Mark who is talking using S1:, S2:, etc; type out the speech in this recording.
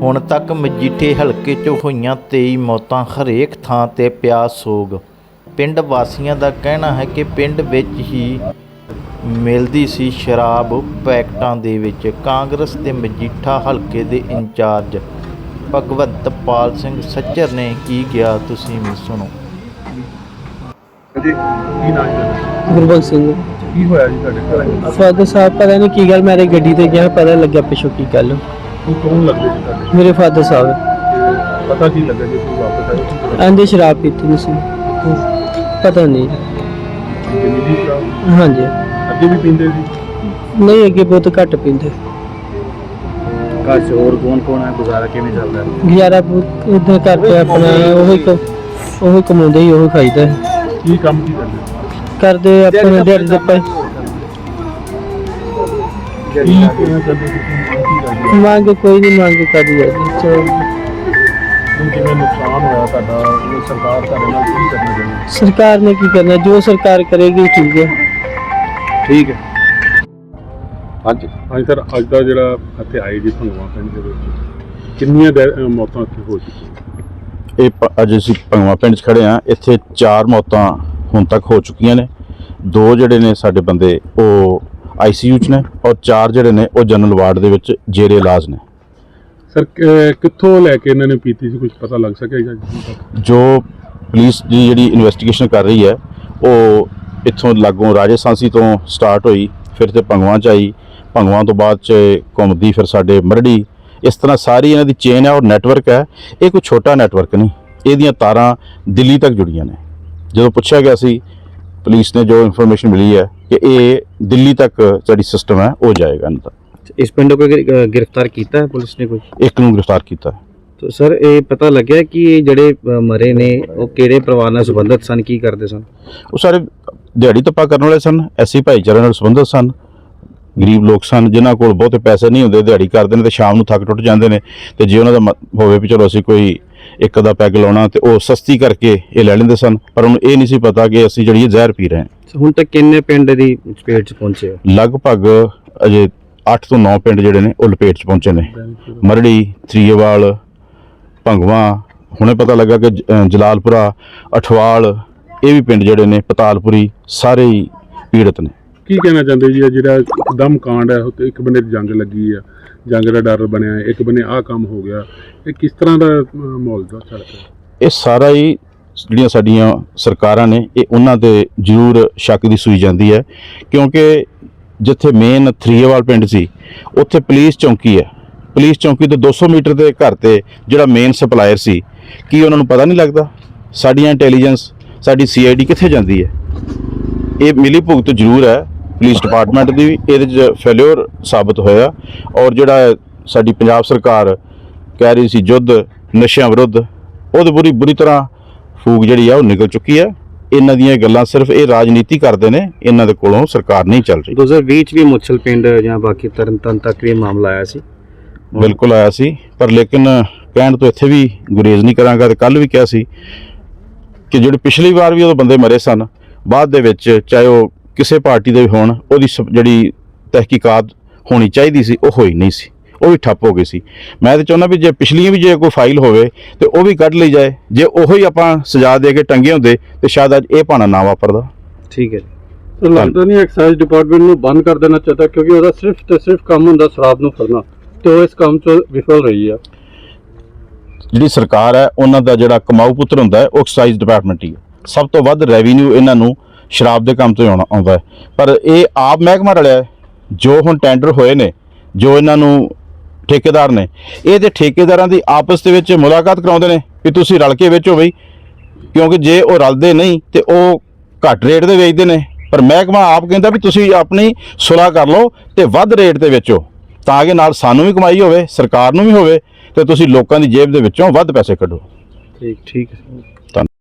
S1: ਹੁਣ तक मजीठे हलके 'ਚ ਹੋਈਆਂ 23 ਮੌਤਾਂ, ਹਰੇਕ ਥਾਂ ਤੇ ਪਿਆ ਸੋਗ। ਪਿੰਡ ਵਾਸੀਆਂ ਦਾ ਕਹਿਣਾ ਹੈ ਕਿ ਪਿੰਡ ਵਿੱਚ ਹੀ ਮਿਲਦੀ ਸੀ ਸ਼ਰਾਬ ਪੈਕਟਾਂ ਦੇ ਵਿੱਚ। ਕਾਂਗਰਸ ਦੇ ਮਜੀਠਾ ਹਲਕੇ ਦੇ ਇੰਚਾਰਜ ਭਗਵੰਤ ਪਾਲ ਸਿੰਘ ਸੱਜਰ ਨੇ ਕੀ ਕਿਹਾ, ਤੁਸੀਂ ਵੀ ਸੁਣੋ।
S2: ਜੀ ਕੀ ਨਾਮ ਹੈ?
S3: ਗੁਰਬਖਸ਼ ਸਿੰਘ।
S2: ਕੀ ਹੋਇਆ ਜੀ ਤੁਹਾਡੇ ਘਰ?
S3: ਫਾਦਰ ਸਾਹਿਬ ਪਤਾ ਨਹੀਂ ਕੀ ਗੱਲ, ਮੇਰੇ ਗੱਡੀ ਤੇ ਗਿਆ, ਪਤਾ ਲੱਗਿਆ ਪਿੱਛੋਂ ਕੀ ਗੱਲ।
S2: ਕੀ ਕੌਣ ਲੱਗਦੇ ਜੀ ਤੁਹਾਡੇ?
S3: ਮੇਰੇ ਫਾਦਰ ਸਾਹਿਬ
S2: ਤੇ ਪਤਾ ਕੀ ਲੱਗਾ ਜੀ ਤੁਸੀਂ ਵਾਪਸ ਆਏ ਕੀ ਪਤਾ?
S3: ਆਂਦੇ ਸ਼ਰਾਬ ਪੀਤੀ ਨਹੀਂ ਸੀ, ਪਤਾ ਨਹੀਂ।
S2: ਕਿੰਨੀ ਜੀ ਸ਼ਰਾਬ?
S3: ਹਾਂਜੀ,
S2: ਅੱਗੇ ਵੀ ਪੀਂਦੇ ਸੀ?
S3: ਨਹੀਂ ਅੱਗੇ ਬਹੁਤ ਘੱਟ ਪੀਂਦੇ।
S2: ਘਰ 'ਚ ਹੋਰ ਕੌਣ ਹੈ? ਗੁਜ਼ਾਰਾ ਕਿਵੇਂ ਚੱਲਦਾ ਹੈ?
S3: ਗੁਜ਼ਾਰਾ ਬਹੁਤ ਇੱਦਾਂ ਕਰਦੇ ਆਪਣਾ, ਉਹੀ ਕਮਾਉਂਦੇ ਹੀ ਉਹੀ ਖਾਈਦਾ।
S2: ਕੀ ਕੰਮ ਕੀ ਕਰਦੇ?
S3: ਕਰਦੇ ਆਪਣੇ ਦਿਹਾੜੀ ਦੇ ਪੈ
S2: ਕੀ ਕਹਿਣਾ ਚਾਹੁੰਦੇ ਤੁਸੀਂ?
S3: ਮੰਗ ਕੋਈ ਨਹੀਂ ਮੰਗ ਕਰਦੀ ਹੈ ਚਲੋ।
S2: ਹੁਣ ਜਿਵੇਂ ਨੁਕਸਾਨ ਹੋਇਆ ਤੁਹਾਡਾ, ਉਹ ਸਰਕਾਰ ਤੁਹਾਡੇ ਨਾਲ ਕੀ ਕਰਨਾ ਚਾਹੁੰਦੀ?
S3: ਸਰਕਾਰ ਨੇ ਕੀ ਕਰਨਾ, ਜੋ ਸਰਕਾਰ ਕਰੇਗੀ ਠੀਕ ਹੈ।
S2: ਠੀਕ ਹੈ। ਹਾਂਜੀ ਸਰ, ਅੱਜ ਦਾ ਜਿਹੜਾ ਇੱਥੇ ਆਏ ਜੀ ਭੰਗਵਾ ਪਿੰਡ ਦੇ ਵਿੱਚ ਕਿੰਨੀਆਂ ਮੌਤਾਂ ਇੱਥੇ ਹੋ ਚੁੱਕੀਆਂ?
S4: ਅੱਜ ਅਸੀਂ ਭੰਗਵਾ ਪਿੰਡ 'ਚ ਖੜੇ ਹਾਂ। ਇੱਥੇ 4 ਮੌਤਾਂ ਹੁਣ ਤੱਕ ਹੋ ਚੁੱਕੀਆਂ ਨੇ। 2 ਜਿਹੜੇ ਨੇ ਸਾਡੇ ਬੰਦੇ ਉਹ ICU 'ਚ ਨੇ, ਔਰ 4 ਜਿਹੜੇ ਨੇ ਉਹ ਜਨਰਲ ਵਾਰਡ ਦੇ ਵਿੱਚ ਜੇਰੇ ਇਲਾਜ ਨੇ।
S2: ਸਰ ਕਿੱਥੋਂ ਲੈ ਕੇ ਇਹਨਾਂ ਨੇ ਪੀਤੀ ਸੀ, ਕੁਝ ਪਤਾ ਲੱਗ ਸਕਿਆ ਜੀ?
S4: ਜੋ ਪੁਲਿਸ ਦੀ ਜਿਹੜੀ ਇਨਵੈਸਟੀਗੇਸ਼ਨ ਕਰ ਰਹੀ ਹੈ ਉਹ ਇੱਥੋਂ ਲਾਗੋਂ ਰਾਜੇ ਸਾਂਸੀ ਤੋਂ ਸਟਾਰਟ ਹੋਈ, ਫਿਰ ਤੇ ਭੰਗਵਾ 'ਚ ਆਈ, ਭੰਗਵਾ ਤੋਂ ਬਾਅਦ 'ਚ ਘੁੰਮਦੀ ਫਿਰ ਸਾਡੇ ਮਰੜੀ। ਇਸ ਤਰ੍ਹਾਂ ਸਾਰੀ ਇਹਨਾਂ ਦੀ ਚੇਨ ਹੈ ਔਰ ਨੈਟਵਰਕ ਹੈ। ਇਹ ਕੋਈ ਛੋਟਾ ਨੈਟਵਰਕ ਨਹੀਂ, ਇਹਦੀਆਂ ਤਾਰਾਂ ਦਿੱਲੀ ਤੱਕ ਜੁੜੀਆਂ ਨੇ। ਜਦੋਂ ਪੁੱਛਿਆ ਗਿਆ ਸੀ ਪੁਲਿਸ ਨੇ ਜੋ ਇਨਫੋਰਮੇਸ਼ਨ ਮਿਲੀ ਹੈ ਕਿ ਇਹ ਦਿੱਲੀ ਤੱਕ ਜਿਹੜੀ ਸਿਸਟਮ ਹੈ ਉਹ ਜਾਏਗਾ ਇਹਨਾਂ ਦਾ।
S5: इस पिंड को गिरफ्तार किया है पुलिस ने? कोई
S4: ਇੱਕ ਨੂੰ ਗ੍ਰਿਫਤਾਰ ਕੀਤਾ।
S5: तो सर ये पता लग्या कि ਜਿਹੜੇ ਮਰੇ ਨੇ ਉਹ ਕਿਹੜੇ ਪਰਿਵਾਰ ਨਾਲ ਸੰਬੰਧਿਤ ਸਨ, ਕੀ ਕਰਦੇ ਸਨ?
S4: ਉਹ ਸਾਰੇ ਦਿਹਾੜੀ ਧੱਪਾ ਕਰਨ ਵਾਲੇ ਸਨ, ਐਸੀ ਭਾਈਚਾਰੇ ਨਾਲ ਸੰਬੰਧਿਤ ਸਨ, ਗਰੀਬ ਲੋਕ ਸਨ ਜਿਨ੍ਹਾਂ ਕੋਲ ਬਹੁਤੇ ਪੈਸੇ ਨਹੀਂ ਹੁੰਦੇ, ਦਿਹਾੜੀ ਕਰਦੇ ਨੇ ਤੇ ਸ਼ਾਮ ਨੂੰ ਥੱਕ ਟੁੱਟ ਜਾਂਦੇ ਨੇ। ਤੇ ਜੇ ਉਹਨਾਂ ਦਾ ਹੋਵੇ ਵੀ ਚਲੋ ਅਸੀਂ ਕੋਈ ਇੱਕ ਅੱਧਾ ਪੈਗ ਲਾਉਣਾ ਤੇ ਉਹ ਸਸਤੀ ਕਰਕੇ ਇਹ ਲੈ ਲੈਂਦੇ ਸਨ, ਪਰ ਉਹਨੂੰ ਇਹ ਨਹੀਂ ਸੀ ਪਤਾ ਕਿ ਅਸੀਂ ਜਿਹੜੀ ਜ਼ਹਿਰ ਪੀ ਰਹੇ ਹਾਂ।
S5: ਹੁਣ ਤੱਕ ਕਿੰਨੇ ਪਿੰਡ ਦੀ ਚਪੇਟ 'ਚ ਪਹੁੰਚੇ ਹੋ?
S4: ਲਗਭਗ ਅਜੇ 8 ਤੋਂ 9 ਪਿੰਡ ਜਿਹੜੇ ਨੇ ਉਹ ਲਪੇਟ 'ਚ ਪਹੁੰਚੇ ਨੇ। ਮਰੜੀ, ਥਰੀਏਵਾਲ, ਭੰਗਵਾ, ਹੁਣੇ ਪਤਾ ਲੱਗਾ ਕਿ ਜਲਾਲਪੁਰਾ, ਅਠਵਾਲ, ਇਹ ਵੀ ਪਿੰਡ ਜਿਹੜੇ ਨੇ, ਪਤਾਲਪੁਰੀ, ਸਾਰੇ ਹੀ ਪੀੜਤ ਨੇ।
S2: ਕੀ ਕਹਿਣਾ ਚਾਹੁੰਦੇ ਜੀ? ਜਿਹੜਾ ਇੱਕਦਮ ਕਾਂਡ ਹੈ, ਉੱਤੇ ਇੱਕ ਬੰਨੇ ਜੰਗ ਲੱਗੀ ਆ, ਜੰਗ ਦਾ ਡਰ ਬਣਿਆ, ਇੱਕ ਬੰਨੇ ਆਹ ਕੰਮ ਹੋ ਗਿਆ, ਇਹ ਕਿਸ ਤਰ੍ਹਾਂ ਦਾ ਮਾਹੌਲ ਦਾ ਚੱਲ ਰਿਹਾ?
S4: ਇਹ ਸਾਰਾ ਹੀ ਜਿਹੜੀਆਂ ਸਾਡੀਆਂ ਸਰਕਾਰਾਂ ਨੇ ਇਹ ਉਹਨਾਂ ਤੇ ਜ਼ਰੂਰ ਸ਼ੱਕ ਦੀ ਸੂਈ ਜਾਂਦੀ ਹੈ, ਕਿਉਂਕਿ ਜਿੱਥੇ ਮੇਨ ਥਰੀਏਵਾਲ ਪਿੰਡ ਸੀ ਉੱਥੇ ਪੁਲਿਸ ਚੌਂਕੀ ਹੈ। ਪੁਲਿਸ ਚੌਂਕੀ ਤੋਂ 200 ਮੀਟਰ ਦੇ ਘਰ ਤੇ ਜਿਹੜਾ ਮੇਨ ਸਪਲਾਇਰ ਸੀ, ਕੀ ਉਹਨਾਂ ਨੂੰ ਪਤਾ ਨਹੀਂ ਲੱਗਦਾ? ਸਾਡੀਆਂ ਇੰਟੈਲੀਜੈਂਸ, ਸਾਡੀ CID ਕਿੱਥੇ ਜਾਂਦੀ ਹੈ? ਇਹ ਮਿਲੀ ਭੁਗਤ ਜ਼ਰੂਰ ਹੈ ਪੁਲਿਸ ਡਿਪਾਰਟਮੈਂਟ ਦੀ ਵੀ, ਇਹਦੇ 'ਚ ਫੇਲਿਓਰ ਸਾਬਤ ਹੋਇਆ। ਔਰ ਜਿਹੜਾ ਸਾਡੀ ਪੰਜਾਬ ਸਰਕਾਰ ਕਹਿ ਰਹੀ ਸੀ ਯੁੱਧ ਨਸ਼ਿਆਂ ਵਿਰੁੱਧ, ਉਹਦੇ ਬੁਰੀ ਤਰ੍ਹਾਂ ਫੂਕ ਜਿਹੜੀ ਆ ਉਹ ਨਿਕਲ ਚੁੱਕੀ ਹੈ। ਇਹਨਾਂ ਦੀਆਂ ਗੱਲਾਂ ਸਿਰਫ ਇਹ ਰਾਜਨੀਤੀ ਕਰਦੇ ਨੇ, ਇਹਨਾਂ ਦੇ ਕੋਲੋਂ ਸਰਕਾਰ ਨਹੀਂ ਚੱਲ ਰਹੀ।
S5: 2020 'ਚ ਵੀ ਮੁੱਛਲ ਪਿੰਡ ਜਾਂ ਬਾਕੀ ਤਰਨਤਾਰਨ ਤੱਕ ਵੀ ਮਾਮਲਾ ਆਇਆ ਸੀ।
S4: ਬਿਲਕੁਲ ਆਇਆ ਸੀ, ਪਰ ਲੇਕਿਨ ਕਹਿਣ ਤੋਂ ਇੱਥੇ ਵੀ ਗੁਰੇਜ਼ ਨਹੀਂ ਕਰਾਂਗਾ। ਤੇ ਕੱਲ੍ਹ ਵੀ ਕਿਹਾ ਸੀ ਕਿ ਜਿਹੜੇ ਪਿਛਲੀ ਵਾਰ ਵੀ ਉਦੋਂ ਬੰਦੇ ਮਰੇ ਸਨ, ਬਾਅਦ ਦੇ ਵਿੱਚ ਚਾਹੇ ਉਹ ਕਿਸੇ ਪਾਰਟੀ ਦੇ ਵੀ ਹੋਣ, ਉਹਦੀ ਜਿਹੜੀ ਤਹਿਕੀਕਾਤ ਹੋਣੀ ਚਾਹੀਦੀ ਸੀ ਉਹ ਹੋਈ ਨਹੀਂ ਸੀ, ਉਹ ਵੀ ਠੱਪ ਹੋ ਗਈ ਸੀ। ਮੈਂ ਤਾਂ ਚਾਹੁੰਦਾ ਵੀ ਜੇ ਪਿਛਲੀਆਂ ਵੀ ਜੇ ਕੋਈ ਫਾਈਲ ਹੋਵੇ ਤੇ ਉਹ ਵੀ ਕੱਢ ਲਈ ਜਾਏ। ਜੇ ਉਹੀ ਆਪਾਂ ਸਜ਼ਾ ਦੇ ਕੇ ਟੰਗੇ ਹੁੰਦੇ ਤੇ ਸ਼ਾਇਦ ਅੱਜ ਇਹ ਭਾਣਾ ਨਾ ਵਾਪਰਦਾ।
S5: ਠੀਕ ਹੈ।
S6: तो लगता नहीं एक्साइज डिपार्टमेंट ਨੂੰ ਬੰਦ ਕਰ ਦੇਣਾ ਚਾਹਤਾ, ਕਿਉਂਕਿ ਉਹਦਾ ਸਿਰਫ ਤੇ ਸਿਰਫ ਕੰਮ ਹੁੰਦਾ ਸ਼ਰਾਬ ਨੂੰ ਫੜਨਾ, ਤੇ ਉਹ ਇਸ ਕੰਮ 'ਚ ਵਿਫਲ ਰਹੀ ਹੈ।
S4: ਜਿਹੜੀ ਸਰਕਾਰ ਹੈ ਉਹਨਾਂ ਦਾ ਜਿਹੜਾ ਕਮਾਊ ਪੁੱਤਰ ਹੁੰਦਾ ਹੈ ਉਹ ਐਕਸਾਈਜ਼ ਡਿਪਾਰਟਮੈਂਟ ਹੀ ਹੈ। ਸਭ ਤੋਂ ਵੱਧ ਰੈਵਨਿਊ ਇਹਨਾਂ ਨੂੰ ਸ਼ਰਾਬ ਦੇ ਕੰਮ ਤੋਂ ਆਉਂਦਾ ਹੈ। ਪਰ ਇਹ ਆਪ ਮਹਿਕਮਾ ਰਲਿਆ ਜੋ ਹੁਣ ਟੈਂਡਰ ਹੋਏ ਨੇ, ਜੋ ਇਹਨਾਂ ਨੂੰ ਠੇਕੇਦਾਰ ਨੇ, ਇਹ ਤੇ ਠੇਕੇਦਾਰਾਂ ਦੀ ਆਪਸ ਦੇ ਵਿੱਚ ਮੁਲਾਕਾਤ ਕਰਾਉਂਦੇ ਨੇ ਵੀ ਤੁਸੀਂ ਰਲ ਕੇ ਵੇਚੋ ਬਈ, ਕਿਉਂਕਿ ਜੇ ਉਹ ਰਲਦੇ ਨਹੀਂ ਤੇ ਉਹ ਘੱਟ ਰੇਟ ਦੇ ਵੇਚਦੇ ਨੇ। ਪਰ ਮਹਿਕਮਾ ਆਪ ਕਹਿੰਦਾ ਵੀ ਤੁਸੀਂ ਆਪਣੀ ਸੁਲਾਹ ਕਰ ਲਓ ਤੇ ਵੱਧ ਰੇਟ ਤੇ ਵੇਚੋ, ਤਾਂ ਕਿ ਨਾਲ ਸਾਨੂੰ ਵੀ ਕਮਾਈ ਹੋਵੇ, ਸਰਕਾਰ ਨੂੰ ਵੀ ਹੋਵੇ, ਤੇ ਤੁਸੀਂ ਲੋਕਾਂ ਦੀ ਜੇਬ ਦੇ ਵਿੱਚੋਂ ਵੱਧ ਪੈਸੇ ਕੱਢੋ।
S5: ਠੀਕ ਹੈ।